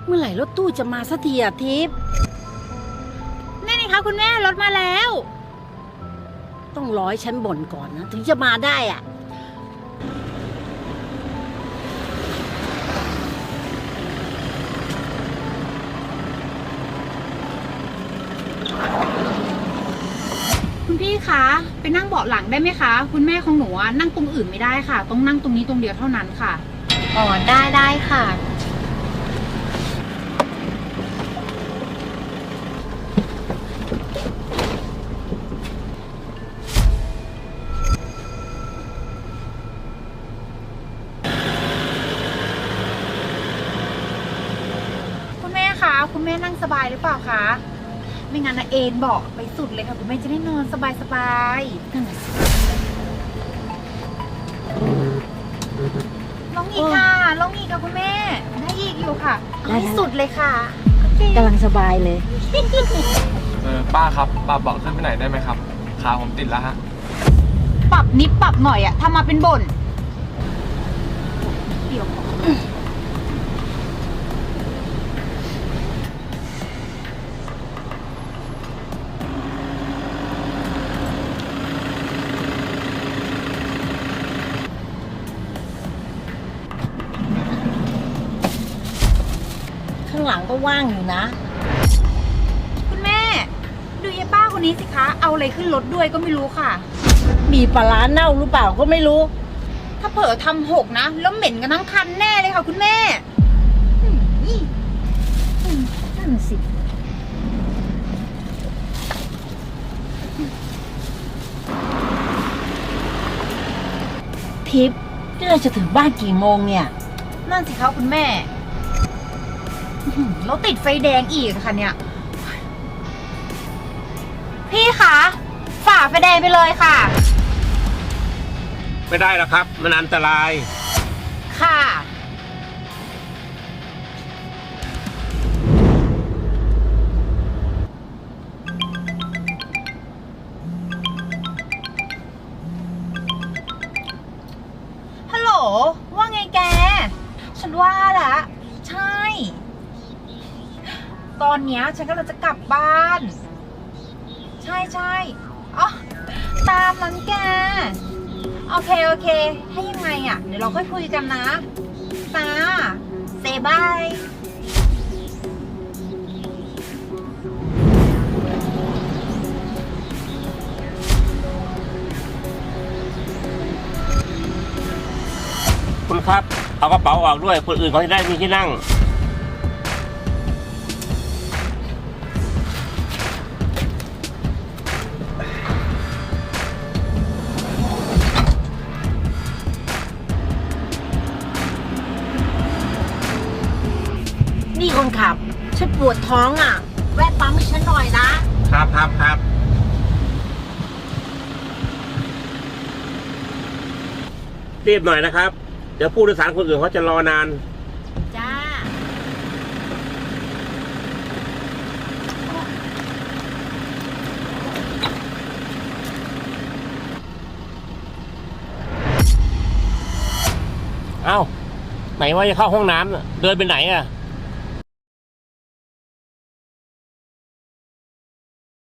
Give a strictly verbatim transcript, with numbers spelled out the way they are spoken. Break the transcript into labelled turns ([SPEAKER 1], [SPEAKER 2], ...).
[SPEAKER 1] เมื่อไหร่รถตู้จะมาสักทีอะทิพย์
[SPEAKER 2] นี่นี่คะคุณแม่รถมาแล้ว
[SPEAKER 1] ต้องร้อยฉันบ่นก่อนนะถึงจะมาได้อะ
[SPEAKER 2] คุณพี่คะไปนั่งเบาะหลังได้ไหมคะคุณแม่ของหนูนั่งตรงอื่นไม่ได้ค่ะต้องนั่งตรงนี้ตรงเดียวเท่านั้นค่ะ
[SPEAKER 3] อ๋อได้ได้ค่ะ
[SPEAKER 2] คุณแม่คะคุณแม่นั่งสบายหรือเปล่าคะไม่งั้นนะเอนเบาะไปสุดเลยค่ะคุณแม่จะได้นอนสบายสบายลองอีกค่ะลองอีกค่ะคุณแม่ได้อีกอยู่ค่ะให้สุดเลยค่ะ
[SPEAKER 1] กำลังสบายเลย
[SPEAKER 4] เออป้าครับปรับเบาะขึ้นไปไหนได้ไหมครับขาผมติดแล้วฮะ
[SPEAKER 2] ปรับนิดปรับหน่อยอะทำมาเป็นบ่นเดี๋ยว
[SPEAKER 1] ข้างหลังก็ว่างอยู่นะ
[SPEAKER 2] คุณแม่ดูยายป้าคนนี้สิคะเอาอะไรขึ้นรถด้วยก็ไม่รู้ค่ะ
[SPEAKER 1] มีปลาร้าเน่าหรือเปล่าก็ไม่รู้
[SPEAKER 2] ถ้าเผลอทำหกนะแล้วเหม็นกันทั้งคันแน่เลยค่ะคุณแม่
[SPEAKER 1] นั่นสิทิพย์นี่เราจะถึงบ้านกี่โมงเนี่ย
[SPEAKER 2] นั่นสิคะคุณแม่แล้วติดไฟแดงอีกค่ะเนี่ยพี่คะฝ่าไฟแดงไปเลยค่ะ
[SPEAKER 5] ไม่ได้แล้วครับมันอันตราย
[SPEAKER 2] ค่ะฮัลโหลว่าไงแกฉันว่าละใช่ตอนเนี้ยฉันกำลังจะกลับบ้านใช่ใช่อ๋อตามนั้นแกโอเคโอเคให้ยังไงอ่ะเดี๋ยวเราค่อยคุยกันนะตาเซบาย
[SPEAKER 5] คุณครับเอากระเป๋าออกด้วยคนอื่นเขาจะได้มีที่นั่ง
[SPEAKER 1] นี่คนขับฉันปวดท้องอ่ะแวะปั๊มให้ฉันหน่อยนะครับ
[SPEAKER 5] ครับครับรีบหน่อยนะครับเดี๋ยวผู้โดยสารคนอื่นเขาจะรอนาน
[SPEAKER 1] จ้า
[SPEAKER 5] เอ้าไหนว่าจะเข้าห้องน้ำเดินไปไหนอ่ะ